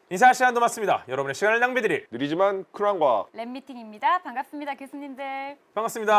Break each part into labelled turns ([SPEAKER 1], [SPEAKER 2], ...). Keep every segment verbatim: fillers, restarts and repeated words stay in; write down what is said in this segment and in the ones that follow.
[SPEAKER 1] 인사할 시간도 맞습니다. 여러분의 시간을 낭비드릴
[SPEAKER 2] 느리지만 쿨한 과학.
[SPEAKER 3] 랩미팅입니다. 반갑습니다, 교수님들.
[SPEAKER 1] 반갑습니다.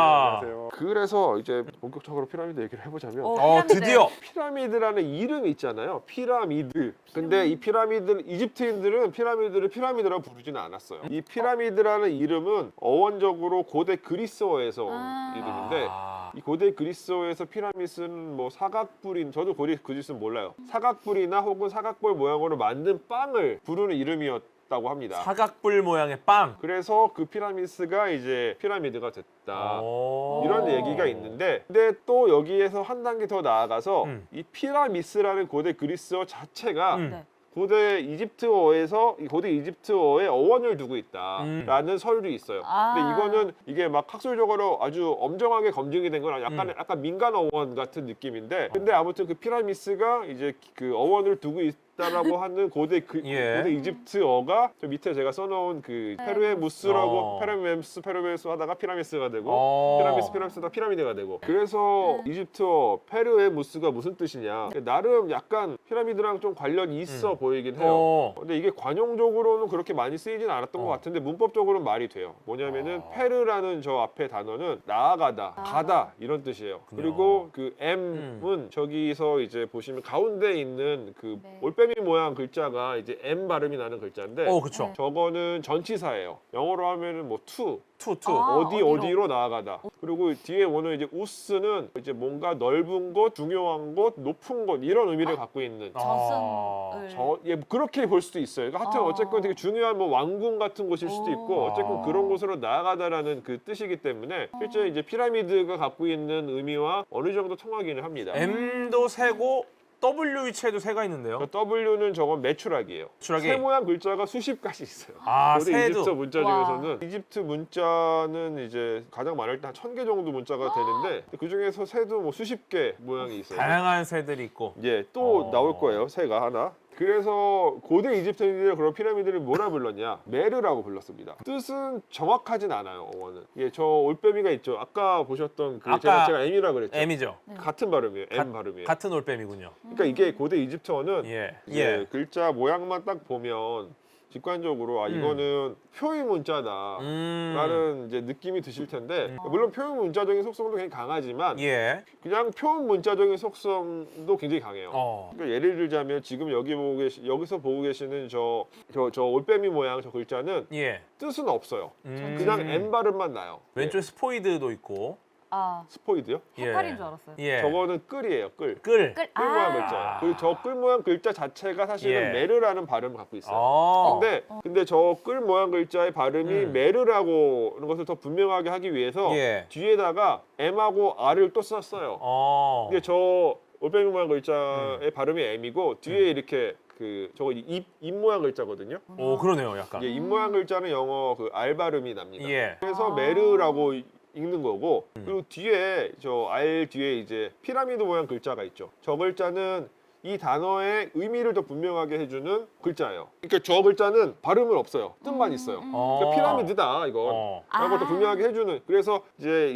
[SPEAKER 2] 네, 안녕하세요. 그래서 이제 본격적으로 피라미드 얘기를 해보자면
[SPEAKER 3] 오.
[SPEAKER 1] 어,
[SPEAKER 3] 피라미드.
[SPEAKER 1] 드디어
[SPEAKER 2] 피라미드라는 이름이 있잖아요. 피라미드. 근데 이 피라미드, 이집트인들은 피라미드를 피라미드라고 부르지는 않았어요. 이 피라미드라는 이름은 어원적으로 고대 그리스어에서 온
[SPEAKER 3] 아.
[SPEAKER 2] 이름인데
[SPEAKER 1] 아,
[SPEAKER 2] 이 고대 그리스어에서 피라미드는 뭐 사각뿔인, 저도 고대 그리스는 몰라요. 사각뿔이나 혹은 사각볼 모양으로 만든 빵을 부르는 이름이었다고 합니다.
[SPEAKER 1] 사각뿔 모양의 빵.
[SPEAKER 2] 그래서 그 피라미드가 이제 피라미드가 됐다.
[SPEAKER 1] 오.
[SPEAKER 2] 이런 얘기가 있는데, 근데 또 여기에서 한 단계 더 나아가서
[SPEAKER 1] 음.
[SPEAKER 2] 이 피라미스라는 고대 그리스어 자체가
[SPEAKER 1] 음.
[SPEAKER 3] 네.
[SPEAKER 2] 고대 이집트어에서 이 고대 이집트어의 어원을 두고
[SPEAKER 1] 음.
[SPEAKER 2] 있다라는 설도 있어요.
[SPEAKER 3] 아.
[SPEAKER 2] 근데 이거는 이게 막 학술적으로 아주 엄정하게 검증이 된 건 약간
[SPEAKER 1] 음.
[SPEAKER 2] 약간 민간 어원 같은 느낌인데, 근데 아무튼 그 피라미스가 이제 그 어원을 두고 있다라고 하는 고대 그,
[SPEAKER 1] 예.
[SPEAKER 2] 고대 이집트어가 저 밑에 제가 써놓은 그
[SPEAKER 3] 네.
[SPEAKER 2] 페르에무스라고
[SPEAKER 1] 어.
[SPEAKER 2] 페르메무스 페르메무스 하다가 피라미스가 되고
[SPEAKER 1] 어.
[SPEAKER 2] 피라미스 피라미스다 피라미드가 되고, 그래서 이집트어 페르에무스가 무슨 뜻이냐, 나름 약간 피라미드랑 좀 관련이 있어
[SPEAKER 1] 음.
[SPEAKER 2] 보이긴 해요.
[SPEAKER 1] 어.
[SPEAKER 2] 근데 이게 관용적으로는 그렇게 많이 쓰이진 않았던
[SPEAKER 1] 어.
[SPEAKER 2] 것 같은데 문법적으로는 말이 돼요. 뭐냐면은
[SPEAKER 1] 어.
[SPEAKER 2] 페르라는 저 앞에 단어는 나아가다,
[SPEAKER 3] 아.
[SPEAKER 2] 가다 이런 뜻이에요.
[SPEAKER 1] 그렇군요.
[SPEAKER 2] 그리고 그 M은 저기서 이제 보시면 가운데 있는 그
[SPEAKER 3] 네.
[SPEAKER 2] 올빼미 모양 글자가 이제 M 발음이 나는 글자인데,
[SPEAKER 1] 어, 그쵸.
[SPEAKER 3] 네.
[SPEAKER 2] 저거는 전치사예요. 영어로 하면은 뭐 to,
[SPEAKER 1] 투, 투.
[SPEAKER 3] 아.
[SPEAKER 2] 어디
[SPEAKER 3] 어디로?
[SPEAKER 2] 어디로 나아가다. 그리고 뒤에 오는 이제 우스는 이제 뭔가 넓은 곳, 중요한 곳, 높은 곳 이런 의미를 갖고 있는.
[SPEAKER 1] 아.
[SPEAKER 3] 저승을.
[SPEAKER 2] 저, 예, 그렇게 볼 수도 있어요. 그러니까 하여튼
[SPEAKER 3] 아.
[SPEAKER 2] 어쨌건 되게 중요한 뭐 왕궁 같은 곳일 수도 있고,
[SPEAKER 3] 오.
[SPEAKER 2] 어쨌건 그런 곳으로 나아가다라는 그 뜻이기 때문에 실제 이제 피라미드가 갖고 있는 의미와 어느 정도 통하기는 합니다.
[SPEAKER 1] M도 세고 W 위치에도 세가 있는데요.
[SPEAKER 2] 그 W는 저건 매추락이에요.
[SPEAKER 1] 추락이.
[SPEAKER 2] 세 모양 글자가 수십 가지 있어요.
[SPEAKER 1] 아,
[SPEAKER 2] 고대
[SPEAKER 1] 새도.
[SPEAKER 2] 이집트 문자
[SPEAKER 3] 와.
[SPEAKER 2] 중에서는 이집트 문자는 이제 가장 많을 때 한 천 개 정도 문자가 되는데, 그 중에서 새도 뭐 수십 개 모양이 있어요.
[SPEAKER 1] 다양한 새들이 있고.
[SPEAKER 2] 예, 또
[SPEAKER 1] 어.
[SPEAKER 2] 나올 거예요. 새가 하나. 그래서 고대 이집트인들이 그런 피라미드를 뭐라 불렀냐? 메르라고 불렀습니다. 뜻은 정확하진 않아요, 어원은. 예, 저 올빼미가 있죠. 아까 보셨던 그
[SPEAKER 1] 아까
[SPEAKER 2] 제가, 제가 M이라 그랬죠.
[SPEAKER 1] M이죠.
[SPEAKER 2] 같은 발음이에요. M
[SPEAKER 1] 가-
[SPEAKER 2] 발음이에요.
[SPEAKER 1] 같은 올빼미군요.
[SPEAKER 2] 그러니까 이게 고대 이집트어는
[SPEAKER 1] 예.
[SPEAKER 2] 이제
[SPEAKER 1] 예.
[SPEAKER 2] 글자 모양만 딱 보면 직관적으로 아
[SPEAKER 1] 음.
[SPEAKER 2] 이거는 표의 문자다.
[SPEAKER 1] 음.
[SPEAKER 2] 라는 이제 느낌이 드실 텐데,
[SPEAKER 1] 음.
[SPEAKER 2] 물론 표현 문자적인 속성도 굉장히 강하지만
[SPEAKER 1] 예.
[SPEAKER 2] 그냥 표현 문자적인 속성도 굉장히 강해요.
[SPEAKER 1] 어.
[SPEAKER 2] 그러니까 예를 들자면 지금 여기 보고 계시 여기서 보고 계시는 저 저 저 올빼미 모양 저 글자는
[SPEAKER 1] 예.
[SPEAKER 2] 뜻은 없어요.
[SPEAKER 1] 음.
[SPEAKER 2] 그냥 M 발음만 나요.
[SPEAKER 1] 왼쪽에 스포이드도 있고.
[SPEAKER 3] 아,
[SPEAKER 2] 예. 스포이드요?
[SPEAKER 3] 해파리인 줄 알았어요.
[SPEAKER 1] 예.
[SPEAKER 2] 저거는 끌이에요. 끌.
[SPEAKER 1] 끌.
[SPEAKER 3] 끌.
[SPEAKER 2] 끌 모양
[SPEAKER 3] 아.
[SPEAKER 2] 글자예요. 그리고 저 끌 모양 글자 자체가 사실은
[SPEAKER 1] 예.
[SPEAKER 2] 메르라는 발음을 갖고 있어요.
[SPEAKER 1] 어.
[SPEAKER 2] 근데 근데 저 끌 모양 글자의 발음이
[SPEAKER 1] 음.
[SPEAKER 2] 메르라고 하는 것을 더 분명하게 하기 위해서
[SPEAKER 1] 예.
[SPEAKER 2] 뒤에다가 M하고 R을 또 썼어요.
[SPEAKER 1] 어.
[SPEAKER 2] 근데 저 올빼미 모양 글자의
[SPEAKER 1] 음.
[SPEAKER 2] 발음이 M이고 뒤에 이렇게 그 저거 입, 입 모양 글자거든요.
[SPEAKER 1] 오, 그러네요, 약간.
[SPEAKER 2] 예, 입 모양 글자는 영어 그 R 발음이 납니다.
[SPEAKER 1] 예.
[SPEAKER 2] 그래서
[SPEAKER 3] 아.
[SPEAKER 2] 메르라고 읽는 거고,
[SPEAKER 1] 음.
[SPEAKER 2] 그리고 뒤에 저 R 뒤에 이제 피라미드 모양 글자가 있죠. 저 글자는 이 단어의 의미를 더 분명하게 해주는 글자예요. 그러니까 저 글자는 발음은 없어요. 뜻만 있어요.
[SPEAKER 1] 어.
[SPEAKER 2] 그러니까 피라미드다 이건.
[SPEAKER 1] 어.
[SPEAKER 2] 라고 또
[SPEAKER 3] 아.
[SPEAKER 2] 분명하게 해주는. 그래서 이제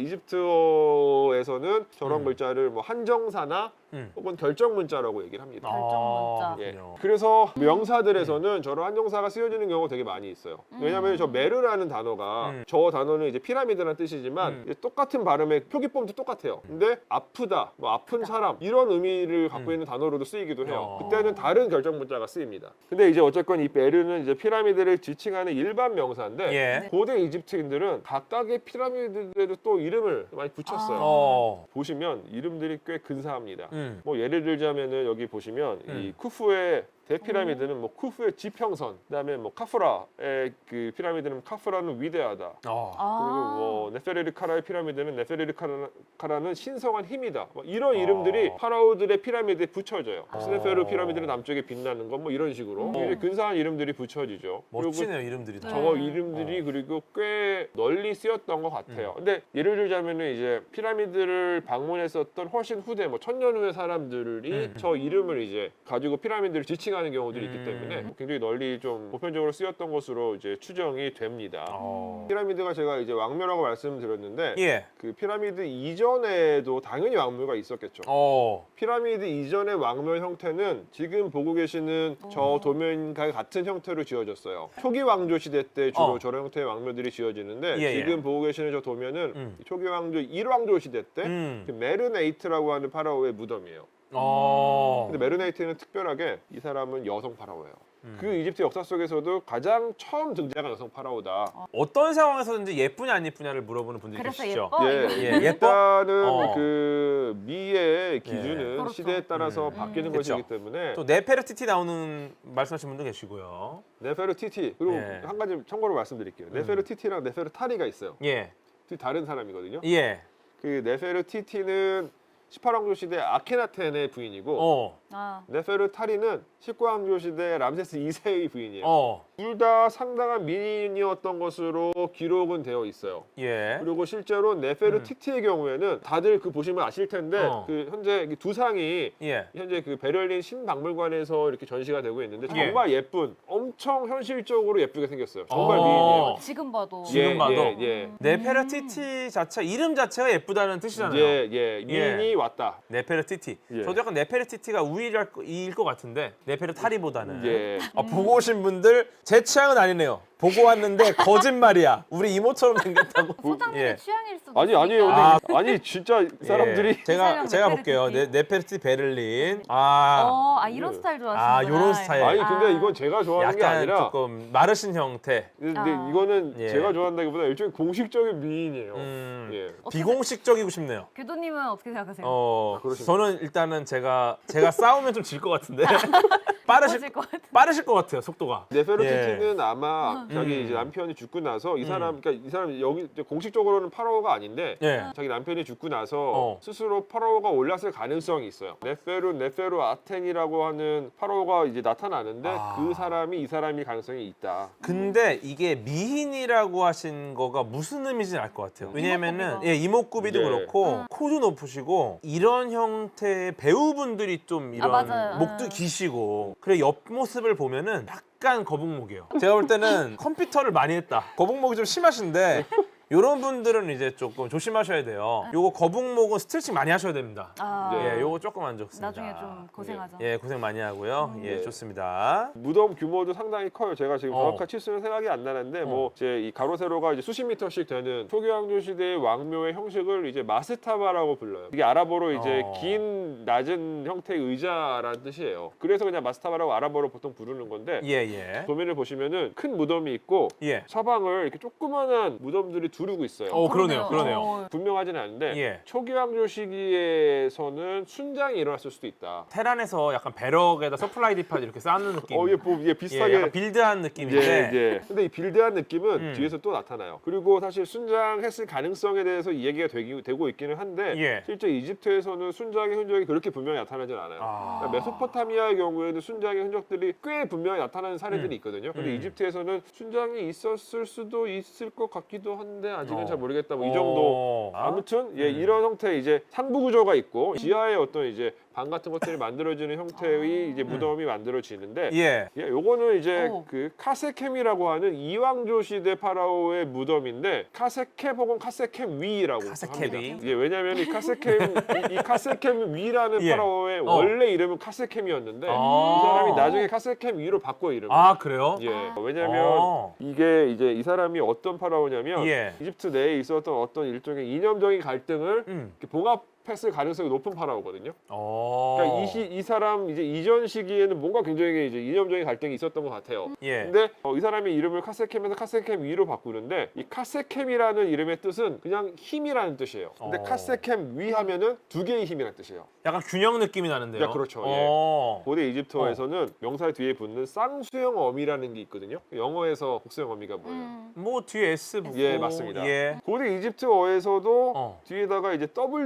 [SPEAKER 2] 이집트어에서는 저런
[SPEAKER 1] 음.
[SPEAKER 2] 글자를 뭐 한정사나
[SPEAKER 1] 음.
[SPEAKER 2] 혹은 결정 문자라고 얘기를 합니다.
[SPEAKER 3] 결정문자.
[SPEAKER 1] 아,
[SPEAKER 2] 예.
[SPEAKER 1] 그렇군요.
[SPEAKER 2] 그래서 명사들에서는 저런 한정사가 쓰여지는 경우가 되게 많이 있어요.
[SPEAKER 3] 음.
[SPEAKER 2] 왜냐하면 저 메르라는 단어가
[SPEAKER 1] 음.
[SPEAKER 2] 저 단어는 이제 피라미드라는 뜻이지만
[SPEAKER 1] 음.
[SPEAKER 2] 이제 똑같은 발음의 표기법도 똑같아요. 근데 아프다, 뭐 아픈 사람 이런 의미를 갖고
[SPEAKER 1] 음.
[SPEAKER 2] 있는 단어로도 쓰이기도 해요.
[SPEAKER 1] 어.
[SPEAKER 2] 그때는 다른 결정 문자가 쓰입니다. 근데 이제 어쨌건 이 메르는 이제 피라미드를 지칭하는 일반 명사인데
[SPEAKER 1] 예.
[SPEAKER 2] 고대 이집트인들은 각각의 피라미드에도 또 이름을 많이 붙였어요.
[SPEAKER 3] 아.
[SPEAKER 1] 어.
[SPEAKER 2] 보시면 이름들이 꽤 근사합니다.
[SPEAKER 1] 음.
[SPEAKER 2] 뭐 예를 들자면은 여기 보시면 이
[SPEAKER 1] 음.
[SPEAKER 2] 쿠프의 대피라미드는 뭐 쿠프의 지평선, 그다음에 뭐 카프라의 그 피라미드는 카프라는 위대하다.
[SPEAKER 1] 어.
[SPEAKER 3] 아.
[SPEAKER 2] 그리고 뭐 네페르리카라의 피라미드는 네페르리카라는 신성한 힘이다. 뭐 이런
[SPEAKER 1] 어.
[SPEAKER 2] 이름들이 파라오들의 피라미드에 붙여져요.
[SPEAKER 1] 어.
[SPEAKER 2] 스네페르 피라미드는 남쪽에 빛나는 것 뭐 이런 식으로
[SPEAKER 3] 음.
[SPEAKER 2] 굉장히 근사한 이름들이 붙여지죠. 그리고
[SPEAKER 1] 멋지네요, 이름들이 다.
[SPEAKER 2] 저거
[SPEAKER 3] 네.
[SPEAKER 2] 이름들이
[SPEAKER 1] 어.
[SPEAKER 2] 그리고 꽤 널리 쓰였던 것 같아요.
[SPEAKER 1] 음.
[SPEAKER 2] 근데 예를 들자면은 이제 피라미드를 방문했었던 훨씬 후대 뭐 천년 후의 사람들이
[SPEAKER 1] 음.
[SPEAKER 2] 저 이름을 이제 가지고 피라미드를 지칭 미싱하는 경우들이 있기
[SPEAKER 1] 음.
[SPEAKER 2] 때문에 굉장히 널리 좀 보편적으로 쓰였던 것으로 이제 추정이 됩니다.
[SPEAKER 1] 어.
[SPEAKER 2] 피라미드가 제가 이제 왕묘라고 말씀드렸는데
[SPEAKER 1] 예.
[SPEAKER 2] 그 피라미드 이전에도 당연히 왕묘가 있었겠죠.
[SPEAKER 1] 어.
[SPEAKER 2] 피라미드 이전의 왕묘 형태는 지금 보고 계시는 저 도면과 같은 형태로 지어졌어요. 초기 왕조 시대 때 주로
[SPEAKER 1] 어.
[SPEAKER 2] 저런 형태의 왕묘들이 지어지는데
[SPEAKER 1] 예, 예.
[SPEAKER 2] 지금 보고 계시는 저 도면은
[SPEAKER 1] 음.
[SPEAKER 2] 초기 왕조 일 왕조 시대 때
[SPEAKER 1] 음.
[SPEAKER 2] 그 메르네이트라고 하는 파라오의 무덤이에요.
[SPEAKER 1] 어.
[SPEAKER 2] 근데 메르네이트는 특별하게 이 사람은 여성 파라오예요.
[SPEAKER 1] 음.
[SPEAKER 2] 그 이집트 역사 속에서도 가장 처음 등장한 여성 파라오다.
[SPEAKER 1] 어떤 상황에서든지 예쁘냐 안 예쁘냐를 물어보는 분들이
[SPEAKER 3] 그래서
[SPEAKER 1] 계시죠.
[SPEAKER 3] 예뻐?
[SPEAKER 2] 예,
[SPEAKER 3] 이거.
[SPEAKER 1] 예, 예뻐?
[SPEAKER 2] 일단은
[SPEAKER 1] 어.
[SPEAKER 2] 그 미의 기준은
[SPEAKER 3] 그렇죠.
[SPEAKER 2] 시대에 따라서
[SPEAKER 1] 음.
[SPEAKER 2] 바뀌는
[SPEAKER 1] 음.
[SPEAKER 2] 것이기
[SPEAKER 1] 그쵸.
[SPEAKER 2] 때문에
[SPEAKER 1] 또 네페르티티 나오는 말씀하신 분도 계시고요.
[SPEAKER 2] 네페르티티 그리고
[SPEAKER 1] 예.
[SPEAKER 2] 한 가지 참고로 말씀드릴게요. 네페르티티랑 네페르타리가 있어요.
[SPEAKER 1] 예.
[SPEAKER 2] 둘이 다른 사람이거든요.
[SPEAKER 1] 예.
[SPEAKER 2] 그 네페르티티는 십팔 왕조 시대 아케나텐의 부인이고
[SPEAKER 1] 어.
[SPEAKER 3] 아,
[SPEAKER 2] 네페르타리는 십구 왕조 시대 람세스 이 세의 부인이에요.
[SPEAKER 1] 어.
[SPEAKER 2] 둘 다 상당한 미인이었던 것으로 기록은 되어 있어요.
[SPEAKER 1] 예.
[SPEAKER 2] 그리고 실제로 네페르티티의 경우에는 다들 그 보시면 아실 텐데
[SPEAKER 1] 어.
[SPEAKER 2] 그 현재 이 두 상이
[SPEAKER 1] 예.
[SPEAKER 2] 현재 그 베를린 신박물관에서 이렇게 전시가 되고 있는데
[SPEAKER 1] 예.
[SPEAKER 2] 정말 예쁜, 엄청 현실적으로 예쁘게 생겼어요. 정말
[SPEAKER 1] 어.
[SPEAKER 2] 미인이에요.
[SPEAKER 3] 지금 봐도.
[SPEAKER 1] 지금
[SPEAKER 2] 예,
[SPEAKER 1] 봐도?
[SPEAKER 2] 예, 예.
[SPEAKER 1] 네페르티티 자체 이름 자체가 예쁘다는 뜻이잖아요.
[SPEAKER 2] 예, 예, 미인이
[SPEAKER 1] 예.
[SPEAKER 2] 왔다.
[SPEAKER 1] 네페르티티.
[SPEAKER 2] 예.
[SPEAKER 1] 저도 약간 네페르티티가 우위일 거- 이일 것 같은데 네페르타리보다는.
[SPEAKER 2] 예.
[SPEAKER 1] 아, 보고 오신 분들 제 취향은 아니네요. 보고 왔는데 거짓말이야. 우리 이모처럼 생겼다고.
[SPEAKER 3] 소장님의
[SPEAKER 1] 예.
[SPEAKER 3] 취향일 수도
[SPEAKER 2] 아니 아니에요.
[SPEAKER 1] 아.
[SPEAKER 2] 근데 아니 진짜 사람들이
[SPEAKER 1] 예. 제가
[SPEAKER 3] 사람
[SPEAKER 1] 제가
[SPEAKER 3] 네페르티티.
[SPEAKER 1] 볼게요. 네, 네페르티티 베를린. 아.
[SPEAKER 3] 어, 아 이런
[SPEAKER 2] 예.
[SPEAKER 3] 스타일 좋아하시는구나.
[SPEAKER 1] 아, 요런 스타일.
[SPEAKER 2] 아니
[SPEAKER 3] 아.
[SPEAKER 2] 근데 이건 제가 좋아하는 게
[SPEAKER 1] 약간
[SPEAKER 2] 아니라
[SPEAKER 1] 조금 마르신 형태.
[SPEAKER 2] 근데
[SPEAKER 3] 아.
[SPEAKER 2] 이거는
[SPEAKER 1] 예.
[SPEAKER 2] 제가 좋아한다기보다 일종의 공식적인 미인이에요.
[SPEAKER 1] 음.
[SPEAKER 2] 예.
[SPEAKER 3] 어떻게-
[SPEAKER 1] 비공식적이고 싶네요.
[SPEAKER 3] 교도님은 어떻게 생각하세요?
[SPEAKER 1] 어,
[SPEAKER 2] 그러시구나.
[SPEAKER 1] 저는 일단은 제가 제가 싸우면 좀 질 것 같은데 빠르실
[SPEAKER 3] 멋질 것 같아.
[SPEAKER 1] 빠르실 것 같아요 속도가.
[SPEAKER 2] 네페르티티는 아마 자기
[SPEAKER 1] 음.
[SPEAKER 2] 이제 남편이 죽고 나서 이
[SPEAKER 1] 음.
[SPEAKER 2] 사람 그러니까 이 사람 여기 이제 공식적으로는 파라오가 아닌데
[SPEAKER 1] 예.
[SPEAKER 2] 자기 남편이 죽고 나서
[SPEAKER 1] 어.
[SPEAKER 2] 스스로 파라오가 올랐을 가능성이 있어요. 네페루 네페루 아텐이라고 하는 파라오가 이제 나타나는데
[SPEAKER 1] 아.
[SPEAKER 2] 그 사람이 이 사람일 가능성이 있다.
[SPEAKER 1] 근데 이게 미인이라고 하신 거가 무슨 의미인지 알 것 같아요. 왜냐면은
[SPEAKER 3] 이목구비가.
[SPEAKER 1] 예, 이목구비도
[SPEAKER 2] 예.
[SPEAKER 1] 그렇고 코도 높으시고 이런 형태의 배우분들이 좀 이런
[SPEAKER 3] 아, 맞아요.
[SPEAKER 1] 목도
[SPEAKER 3] 아.
[SPEAKER 1] 기시고 그래 옆모습을 보면은 약간 거북목이에요. 제가 볼 때는 컴퓨터를 많이 했다. 거북목이 좀 심하신데 이런 분들은 이제 조금 조심하셔야 돼요. 요거 거북목은 스트레칭 많이 하셔야 됩니다.
[SPEAKER 3] 아,
[SPEAKER 2] 네.
[SPEAKER 1] 예, 요거 조금 안 좋습니다.
[SPEAKER 3] 나중에 좀 고생하죠.
[SPEAKER 1] 예, 고생 많이 하고요. 예,
[SPEAKER 2] 네.
[SPEAKER 1] 좋습니다.
[SPEAKER 2] 무덤 규모도 상당히 커요. 제가 지금
[SPEAKER 1] 어.
[SPEAKER 2] 정확한 치수는 생각이 안 나는데 뭐 이제 이 가로 세로가 이제 수십 미터씩 되는 초기 왕조 시대의 왕묘의 형식을 이제 마스타바라고 불러요. 이게 아랍어로 이제
[SPEAKER 1] 어.
[SPEAKER 2] 긴 낮은 형태의 의자라는 뜻이에요. 그래서 그냥 마스타바라고 아랍어로 보통 부르는 건데
[SPEAKER 1] 예, 예.
[SPEAKER 2] 도면을 보시면은 큰 무덤이 있고
[SPEAKER 1] 예.
[SPEAKER 2] 사방을 이렇게 조그만한 무덤들이 두르고 있어요.
[SPEAKER 1] 어, 그러네요. 그러네요.
[SPEAKER 3] 어,
[SPEAKER 2] 분명하진 않은데
[SPEAKER 1] 예.
[SPEAKER 2] 초기 왕조 시기에서는 순장이 일어났을 수도 있다.
[SPEAKER 1] 테란에서 약간 배럭에다 서플라이 디팟 이렇게 쌓는 느낌.
[SPEAKER 2] 어, 예, 뭐, 예,
[SPEAKER 1] 예,
[SPEAKER 2] 비슷하게
[SPEAKER 1] 약간 빌드한 느낌인데.
[SPEAKER 2] 예, 예. 근데 이 빌드한 느낌은
[SPEAKER 1] 음.
[SPEAKER 2] 뒤에서 또 나타나요. 그리고 사실 순장했을 가능성에 대해서 이 얘기가 되기, 되고 있기는 한데
[SPEAKER 1] 예.
[SPEAKER 2] 실제 이집트에서는 순장의 흔적이 그렇게 분명히 나타나진 않아요.
[SPEAKER 1] 아.
[SPEAKER 2] 그러니까 메소포타미아의 경우에는 순장의 흔적들이 꽤 분명히 나타나는 사례들이
[SPEAKER 1] 음.
[SPEAKER 2] 있거든요. 근데
[SPEAKER 1] 음.
[SPEAKER 2] 이집트에서는 순장이 있었을 수도 있을 것 같기도 한데 아직은
[SPEAKER 1] 어.
[SPEAKER 2] 잘 모르겠다. 뭐 이 정도.
[SPEAKER 1] 어.
[SPEAKER 2] 아무튼 예,
[SPEAKER 1] 음.
[SPEAKER 2] 이런 형태의 이제 상부 구조가 있고 지하에 어떤 이제 방 같은 것들이 만들어지는 형태의 이제 무덤이 만들어지는데
[SPEAKER 1] 예.
[SPEAKER 2] 예, 요거는 이제
[SPEAKER 3] 오.
[SPEAKER 2] 그 카세켐이라고 하는 이왕조 시대 파라오의 무덤인데 카세켐 혹은 카세켐 위라고
[SPEAKER 1] 카세켐 위?
[SPEAKER 2] 합니다. 예, 왜냐하면 이 카세켐 이, 이 카세켐 위라는
[SPEAKER 1] 예.
[SPEAKER 2] 파라오의
[SPEAKER 1] 어.
[SPEAKER 2] 원래 이름은 카세켐이었는데
[SPEAKER 1] 아.
[SPEAKER 2] 이 사람이 나중에 카세켐 위로 바꿔 이름을.
[SPEAKER 1] 아, 그래요?
[SPEAKER 2] 예,
[SPEAKER 3] 아.
[SPEAKER 2] 왜냐하면
[SPEAKER 1] 어.
[SPEAKER 2] 이게 이제 이 사람이 어떤 파라오냐면
[SPEAKER 1] 예.
[SPEAKER 2] 이집트 내에 있었던 어떤 일종의 이념적인 갈등을
[SPEAKER 1] 음.
[SPEAKER 2] 이렇게 봉합했을 가능성이 높은 파라오거든요.
[SPEAKER 1] 어.
[SPEAKER 2] 그러니까 이, 시, 이 사람 이제 이전 시기에는 뭔가 굉장히 이제 이념적인 갈등이 있었던 것 같아요.
[SPEAKER 1] 예.
[SPEAKER 2] 근데 어, 이 사람이 이름을 카세켐에서 카세켐 위로 바꾸는데 이 카세켐이라는 이름의 뜻은 그냥 힘이라는 뜻이에요. 근데
[SPEAKER 1] 어.
[SPEAKER 2] 카세켐 위 하면은 두 개의 힘이라는 뜻이에요.
[SPEAKER 1] 약간 균형 느낌이 나는데요.
[SPEAKER 2] 야, 그렇죠. 예.
[SPEAKER 1] 어.
[SPEAKER 2] 고대 이집트어에서는 명사 뒤에 붙는 쌍수형 어미라는 게 있거든요. 영어에서 곡수형 어미가 뭐예요?
[SPEAKER 3] 음.
[SPEAKER 1] 뭐 뒤에 S 붙고.
[SPEAKER 2] 예, 맞습니다.
[SPEAKER 1] 예.
[SPEAKER 2] 고대 이집트어에서도
[SPEAKER 1] 어.
[SPEAKER 2] 뒤에다가 이제 W, U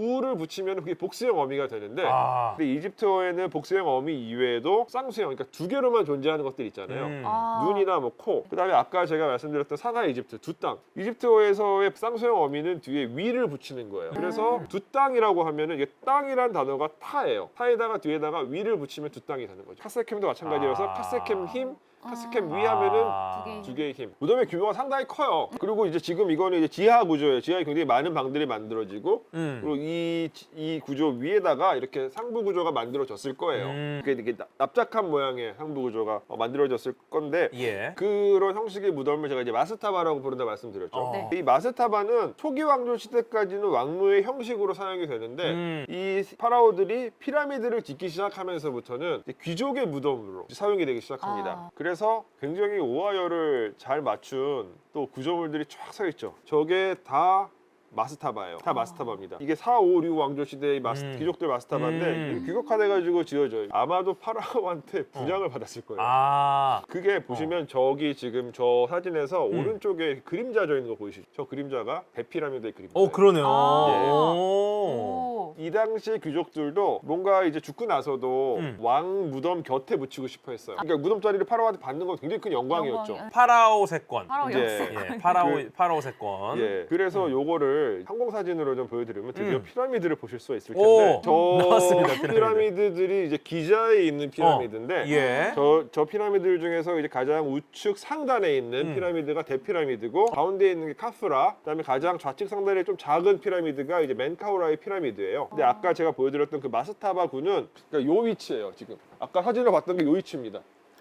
[SPEAKER 2] 우를 붙이면 그게 복수형 어미가 되는데
[SPEAKER 1] 아.
[SPEAKER 2] 근데 이집트어에는 복수형 어미 이외에도 쌍수형, 그러니까 두 개로만 존재하는 것들 있잖아요.
[SPEAKER 1] 음.
[SPEAKER 3] 아.
[SPEAKER 2] 눈이나 뭐 코, 그다음에 아까 제가 말씀드렸던 상하 이집트 두 땅. 이집트어에서의 쌍수형 어미는 뒤에 위를 붙이는 거예요. 그래서 두 땅이라고 하면은 이게 땅이란 단어가 타예요. 타에다가 뒤에다가 위를 붙이면 두 땅이 되는 거죠. 카세켐도 마찬가지여서
[SPEAKER 1] 아.
[SPEAKER 2] 카세켐 힘, 카세켐 위
[SPEAKER 3] 아.
[SPEAKER 2] 하면은
[SPEAKER 1] 아.
[SPEAKER 3] 두 개.
[SPEAKER 2] 두 개의 힘. 무덤의 규모가 상당히 커요. 그리고 이제 지금 이거는 이제 지하 구조예요. 지하에 굉장히 많은 방들이 만들어지고
[SPEAKER 1] 음.
[SPEAKER 2] 그리고 이, 이 구조 위에다가 이렇게 상부 구조가 만들어졌을 거예요.
[SPEAKER 1] 음.
[SPEAKER 2] 이게 이렇게 납- 납작한 모양의 상부 구조가 어, 만들어졌을 건데
[SPEAKER 1] 예.
[SPEAKER 2] 그런 형식의 무덤을 제가 이제 마스타바라고 부른다 말씀드렸죠.
[SPEAKER 1] 어.
[SPEAKER 3] 네.
[SPEAKER 2] 이 마스타바는 초기 왕조 시대까지는 왕무의 형식으로 사용이 되는데
[SPEAKER 1] 음.
[SPEAKER 2] 이 파라오들이 피라미드를 짓기 시작하면서부터는 이제 귀족의 무덤으로 사용이 되기 시작합니다.
[SPEAKER 3] 아.
[SPEAKER 2] 그래서 굉장히 오하열을 잘 맞춘 또 구조물들이 쫙 서 있죠. 저게 다 마스타바예요. 다 마스타바입니다. 이게 사, 오, 육 왕조 시대의 마스,
[SPEAKER 1] 음.
[SPEAKER 2] 귀족들 마스타바인데
[SPEAKER 1] 음.
[SPEAKER 2] 이게 귀국화돼가지고 지어져요. 아마도 파라오한테 분양을 받았을 거예요.
[SPEAKER 1] 아.
[SPEAKER 2] 그게 보시면 저기 지금 저 사진에서
[SPEAKER 1] 음.
[SPEAKER 2] 오른쪽에 그림자 져 있는 거 보이시죠? 저 그림자가 대피라미드의 그림자.
[SPEAKER 1] 오, 그러네요.
[SPEAKER 3] 아.
[SPEAKER 2] 예.
[SPEAKER 1] 오.
[SPEAKER 3] 오.
[SPEAKER 2] 이 당시 귀족들도 뭔가 이제 죽고 나서도
[SPEAKER 1] 음.
[SPEAKER 2] 왕 무덤 곁에 묻히고 싶어 했어요. 그러니까 무덤 자리를 파라오한테 받는 건 굉장히 큰 영광이었죠.
[SPEAKER 3] 영광이-
[SPEAKER 1] 파라오 세권.
[SPEAKER 3] 바로
[SPEAKER 2] 이제-
[SPEAKER 3] 역세.
[SPEAKER 1] 예, 파라오
[SPEAKER 2] 그-
[SPEAKER 1] 파라오 세권.
[SPEAKER 2] 예, 그래서
[SPEAKER 1] 음.
[SPEAKER 2] 요거를 항공 사진으로 좀 보여드리면 드디어
[SPEAKER 1] 음.
[SPEAKER 2] 피라미드를 보실 수가 있을
[SPEAKER 1] 오,
[SPEAKER 2] 텐데 저
[SPEAKER 1] 나왔습니다, 피라미드.
[SPEAKER 2] 피라미드들이 이제 기자에 있는 피라미드인데
[SPEAKER 1] 예.
[SPEAKER 2] 저, 저 피라미드 중에서 이제 가장 우측 상단에 있는
[SPEAKER 1] 음.
[SPEAKER 2] 피라미드가 대피라미드고 가운데 있는 게 카프라, 그다음에 가장 좌측 상단에 좀 작은 피라미드가 이제 멘카우라의 피라미드예요. 근데 아까 제가 보여드렸던 그 마스타바 군은 그러니까 요 위치예요. 지금 아까 사진으로 봤던 게 요 위치입니다.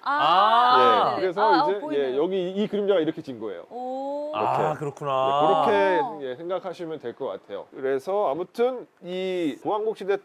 [SPEAKER 1] 아.
[SPEAKER 2] 예,
[SPEAKER 3] 네.
[SPEAKER 2] 그래서
[SPEAKER 3] 아,
[SPEAKER 2] 이제
[SPEAKER 3] 어, 보이네요.
[SPEAKER 2] 예, 여기 이 그림자가 이렇게 진 거예요.
[SPEAKER 3] 오.
[SPEAKER 1] 아,
[SPEAKER 2] 이렇게.
[SPEAKER 1] 그렇구나.
[SPEAKER 2] 네, 그렇게 예, 생각하시면 될 것 같아요. 그래서 아무튼 이 보왕국 시대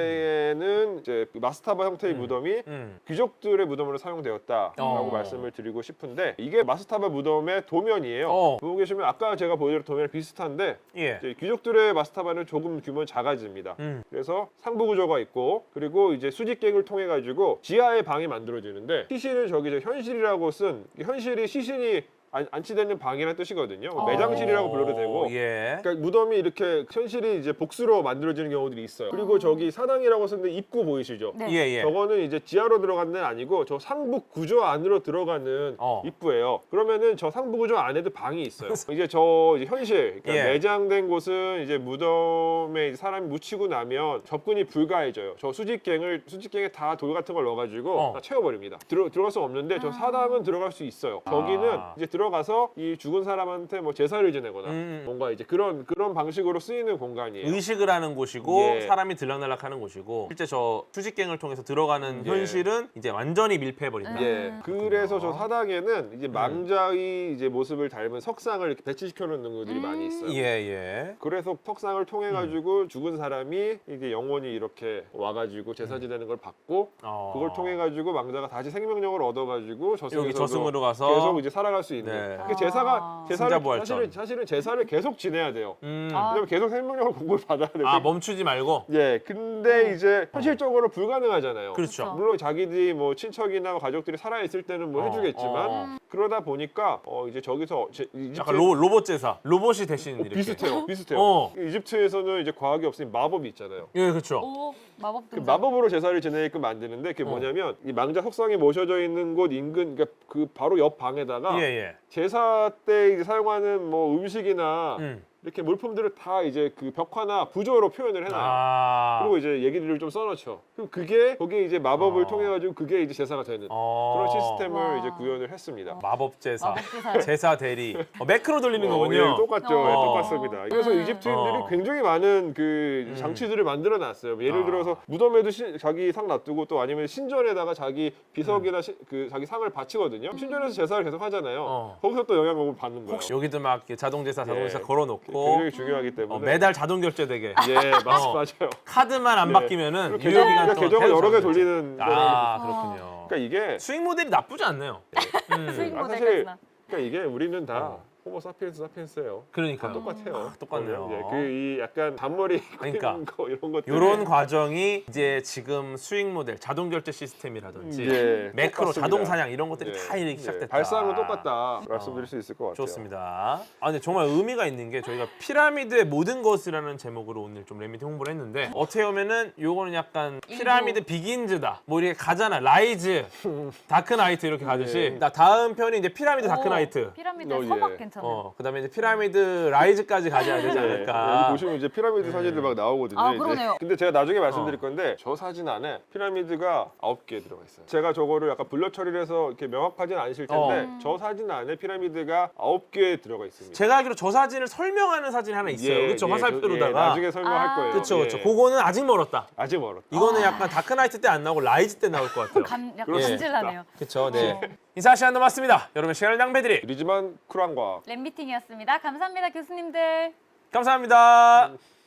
[SPEAKER 2] 때는 이제 그 마스타바 형태의
[SPEAKER 1] 음.
[SPEAKER 2] 무덤이
[SPEAKER 1] 음.
[SPEAKER 2] 귀족들의 무덤으로 사용되었다라고
[SPEAKER 1] 어.
[SPEAKER 2] 말씀을 드리고 싶은데 이게 마스타바 무덤의 도면이에요.
[SPEAKER 1] 어.
[SPEAKER 2] 보고 계시면 아까 제가 보여드린 도면이 비슷한데
[SPEAKER 1] 예.
[SPEAKER 2] 이제 귀족들의 마스타바는 조금 규모는 작아집니다.
[SPEAKER 1] 음.
[SPEAKER 2] 그래서 상부 구조가 있고 그리고 이제 수직갱을 통해 가지고 지하에 방이 만들어지는데 시신은 저기 저 현실이라고 쓴 현실이 시신이 안, 안치되는 방이라는 뜻이거든요.
[SPEAKER 3] 어.
[SPEAKER 2] 매장실이라고 불러도 되고.
[SPEAKER 1] 예.
[SPEAKER 2] 그러니까 무덤이 이렇게 현실이 이제 복수로 만들어지는 경우들이 있어요. 그리고 저기 사당이라고 쓰는데 입구 보이시죠?
[SPEAKER 3] 네.
[SPEAKER 1] 예, 예.
[SPEAKER 2] 저거는 이제 지하로 들어가는 데는 아니고 저 상부 구조 안으로 들어가는
[SPEAKER 1] 어.
[SPEAKER 2] 입구예요. 그러면은 저 상부 구조 안에도 방이 있어요. 이제 저 이제 현실, 그러니까
[SPEAKER 1] 예.
[SPEAKER 2] 매장된 곳은 이제 무덤에 이제 사람이 묻히고 나면 접근이 불가해져요. 저 수직갱을 수직갱에 다 돌 같은 걸 넣어가지고
[SPEAKER 1] 어.
[SPEAKER 2] 다 채워버립니다. 들어 들어갈 수 없는데 저
[SPEAKER 3] 아.
[SPEAKER 2] 사당은 들어갈 수 있어요. 저기는
[SPEAKER 1] 아.
[SPEAKER 2] 이제 들어가서 이 죽은 사람한테 뭐 제사를 지내거나
[SPEAKER 1] 음.
[SPEAKER 2] 뭔가 이제 그런 그런 방식으로 쓰이는 공간이에요.
[SPEAKER 1] 의식을 하는 곳이고
[SPEAKER 2] 예.
[SPEAKER 1] 사람이 들락날락하는 곳이고 실제 저 수직갱을 통해서 들어가는
[SPEAKER 2] 예.
[SPEAKER 1] 현실은 이제 완전히 밀폐해버린다.
[SPEAKER 2] 예.
[SPEAKER 3] 음.
[SPEAKER 2] 그래서 저
[SPEAKER 1] 그렇구나.
[SPEAKER 2] 사당에는 이제 망자의 이제 모습을 닮은 석상을 이렇게 배치시켜 놓는 것들이
[SPEAKER 3] 음.
[SPEAKER 2] 많이 있어요.
[SPEAKER 1] 예, 예.
[SPEAKER 2] 그래서 석상을 통해 가지고 죽은 사람이 이게 영혼이 이렇게 와가지고 제사 지내는 걸 받고
[SPEAKER 1] 어.
[SPEAKER 2] 그걸 통해 가지고 망자가 다시 생명력을 얻어가지고 저승에서
[SPEAKER 1] 여기 저승으로 가서
[SPEAKER 2] 계속 이제 살아갈 수 있는.
[SPEAKER 1] 네.
[SPEAKER 2] 그 제사가
[SPEAKER 3] 아.
[SPEAKER 2] 제사를
[SPEAKER 1] 승자부활전.
[SPEAKER 2] 사실은 사실은 제사를 계속 지내야 돼요.
[SPEAKER 1] 음.
[SPEAKER 3] 아.
[SPEAKER 2] 왜냐면 계속 생명력을 공부를 받아야 돼요.
[SPEAKER 1] 아, 멈추지 말고.
[SPEAKER 2] 예, 근데 이제 현실적으로 불가능하잖아요.
[SPEAKER 1] 그렇죠.
[SPEAKER 2] 물론 자기들이 뭐 친척이나 가족들이 살아 있을 때는 뭐
[SPEAKER 1] 어,
[SPEAKER 2] 해주겠지만
[SPEAKER 1] 어.
[SPEAKER 2] 그러다 보니까 어 이제 저기서 제, 이집트
[SPEAKER 1] 약간 로, 로봇 제사. 로봇이 대신
[SPEAKER 2] 어,
[SPEAKER 1] 이렇게.
[SPEAKER 2] 비슷해요, 비슷해요.
[SPEAKER 1] 어.
[SPEAKER 2] 이집트에서는 이제 과학이 없으니 마법이 있잖아요.
[SPEAKER 1] 예, 그렇죠.
[SPEAKER 3] 오. 마법
[SPEAKER 2] 그
[SPEAKER 3] 등장.
[SPEAKER 2] 마법으로 제사를 지내게끔 만드는데 그게
[SPEAKER 1] 어.
[SPEAKER 2] 뭐냐면 이 망자 석상이 모셔져 있는 곳 인근 그러니까 그 바로 옆 방에다가
[SPEAKER 1] 예, 예.
[SPEAKER 2] 제사 때 이제 사용하는 뭐 음식이나
[SPEAKER 1] 음.
[SPEAKER 2] 이렇게 물품들을 다 이제 그 벽화나 부조로 표현을 해놔요.
[SPEAKER 1] 아.
[SPEAKER 2] 그리고 이제 얘기들을 좀 써놓죠. 그럼 그게 거기에 이제 마법을
[SPEAKER 1] 어.
[SPEAKER 2] 통해 가지고 그게 이제 제사가 되는
[SPEAKER 1] 어.
[SPEAKER 2] 그런 시스템을
[SPEAKER 3] 와.
[SPEAKER 2] 이제 구현을 했습니다.
[SPEAKER 1] 마법 제사.
[SPEAKER 3] 마법 제사.
[SPEAKER 1] 제사 대리. 어, 매크로 돌리는
[SPEAKER 2] 어,
[SPEAKER 1] 거군요.
[SPEAKER 2] 예, 똑같죠.
[SPEAKER 3] 어.
[SPEAKER 2] 예, 똑같습니다. 그래서
[SPEAKER 3] 음.
[SPEAKER 2] 이집트인들이
[SPEAKER 1] 어.
[SPEAKER 2] 굉장히 많은 그
[SPEAKER 1] 음.
[SPEAKER 2] 장치들을 만들어 놨어요. 예를
[SPEAKER 1] 아.
[SPEAKER 2] 들어서 무덤에도 시- 자기 상 놔두고 또 아니면 신전에다가 자기 비석이나 시- 그 자기 상을 바치거든요. 신전에서 제사를 계속 하잖아요.
[SPEAKER 1] 어.
[SPEAKER 2] 거기서 또 영향을 받는 거예요.
[SPEAKER 1] 혹시 여기도 막 이렇게 자동 제사, 자동
[SPEAKER 2] 예.
[SPEAKER 1] 제사 걸어놓고
[SPEAKER 2] 굉장히 중요하기 때문에
[SPEAKER 1] 어, 매달 자동 결제되게
[SPEAKER 2] 예, 맞,
[SPEAKER 1] 어.
[SPEAKER 2] 맞아요.
[SPEAKER 1] 카드만 안
[SPEAKER 2] 예.
[SPEAKER 1] 바뀌면은
[SPEAKER 2] 그리고
[SPEAKER 1] 유효
[SPEAKER 2] 계정,
[SPEAKER 1] 기간
[SPEAKER 2] 그러니까
[SPEAKER 1] 동안
[SPEAKER 2] 계정을
[SPEAKER 1] 계속
[SPEAKER 2] 여러 개
[SPEAKER 1] 자동 결제.
[SPEAKER 2] 돌리는
[SPEAKER 1] 아,
[SPEAKER 3] 거라고.
[SPEAKER 1] 그렇군요.
[SPEAKER 2] 그러니까 이게
[SPEAKER 1] 수익 모델이 나쁘지 않네요. 음.
[SPEAKER 3] 수익
[SPEAKER 2] 아,
[SPEAKER 3] 모델까지나.
[SPEAKER 2] 사실 그러니까 이게 우리는 다
[SPEAKER 1] 어.
[SPEAKER 2] 호모 사피엔스 사피엔스예요.
[SPEAKER 1] 그러니까요.
[SPEAKER 2] 똑같아요.
[SPEAKER 1] 똑같네요.
[SPEAKER 2] 예, 그이 약간 단머리
[SPEAKER 1] 그러니까.
[SPEAKER 2] 그러니까. 거 이런 것들.
[SPEAKER 1] 이런 과정이 이제 지금 수익 모델, 자동 결제 시스템이라든지
[SPEAKER 2] 예,
[SPEAKER 1] 매크로,
[SPEAKER 2] 똑같습니다.
[SPEAKER 1] 자동 사냥 이런 것들이
[SPEAKER 2] 예,
[SPEAKER 1] 다 이렇게
[SPEAKER 2] 예,
[SPEAKER 1] 시작됐다.
[SPEAKER 2] 발상은 똑같다 말씀드릴 수 있을 것 같아요.
[SPEAKER 1] 좋습니다. 아 근데 정말 의미가 있는 게 저희가 피라미드의 모든 것이라는 제목으로 오늘 좀 랩미팅 홍보를 했는데 어떻게 보면은 요거는 약간 피라미드 비긴즈다. 뭐 이렇게 가잖아. 라이즈, 다크나이트 이렇게 가듯이
[SPEAKER 2] 예.
[SPEAKER 1] 나 다음 편이 이제 피라미드 다크나이트.
[SPEAKER 3] 오, 피라미드
[SPEAKER 2] 어, 예.
[SPEAKER 3] 서막 괜찮아요.
[SPEAKER 1] 어 그다음에 이제 피라미드 라이즈까지 가져야 되지
[SPEAKER 2] 예, 여기
[SPEAKER 1] 않을까.
[SPEAKER 2] 보시면 이제 피라미드 사진들 막 나오거든요.
[SPEAKER 3] 아,
[SPEAKER 2] 이제.
[SPEAKER 3] 그러네요.
[SPEAKER 2] 근데 제가 나중에 말씀드릴
[SPEAKER 1] 어.
[SPEAKER 2] 건데 저 사진 안에 피라미드가 아홉 개 들어가 있어요. 제가 저거를 약간 블러 처리를 해서 이렇게 명확하지는 않으실 텐데
[SPEAKER 3] 어.
[SPEAKER 2] 저 사진 안에 피라미드가 아홉 개 들어가 있습니다.
[SPEAKER 1] 제가 알기로 저 사진을 설명하는 사진이 하나 있어요.
[SPEAKER 2] 예,
[SPEAKER 1] 그렇죠.
[SPEAKER 2] 예,
[SPEAKER 1] 화살표로다가.
[SPEAKER 2] 저- 예, 나중에 설명할
[SPEAKER 3] 아.
[SPEAKER 2] 거예요.
[SPEAKER 1] 그렇죠, 그렇죠.
[SPEAKER 2] 예.
[SPEAKER 1] 그거는 아직 멀었다.
[SPEAKER 2] 아직 멀었다.
[SPEAKER 1] 이거는 약간 다크나이트 때 안 나오고 라이즈 때 나올 것 같아요.
[SPEAKER 3] 감, 약간
[SPEAKER 2] 그렇습니다.
[SPEAKER 3] 간질나네요.
[SPEAKER 1] 그렇죠. 네.
[SPEAKER 3] 어.
[SPEAKER 1] 인사 시간 남았습니다. 여러분 시간을 낭비드리
[SPEAKER 2] 이리지만 쿨한 과학.
[SPEAKER 3] 랩미팅이었습니다. 감사합니다, 교수님들.
[SPEAKER 1] 감사합니다.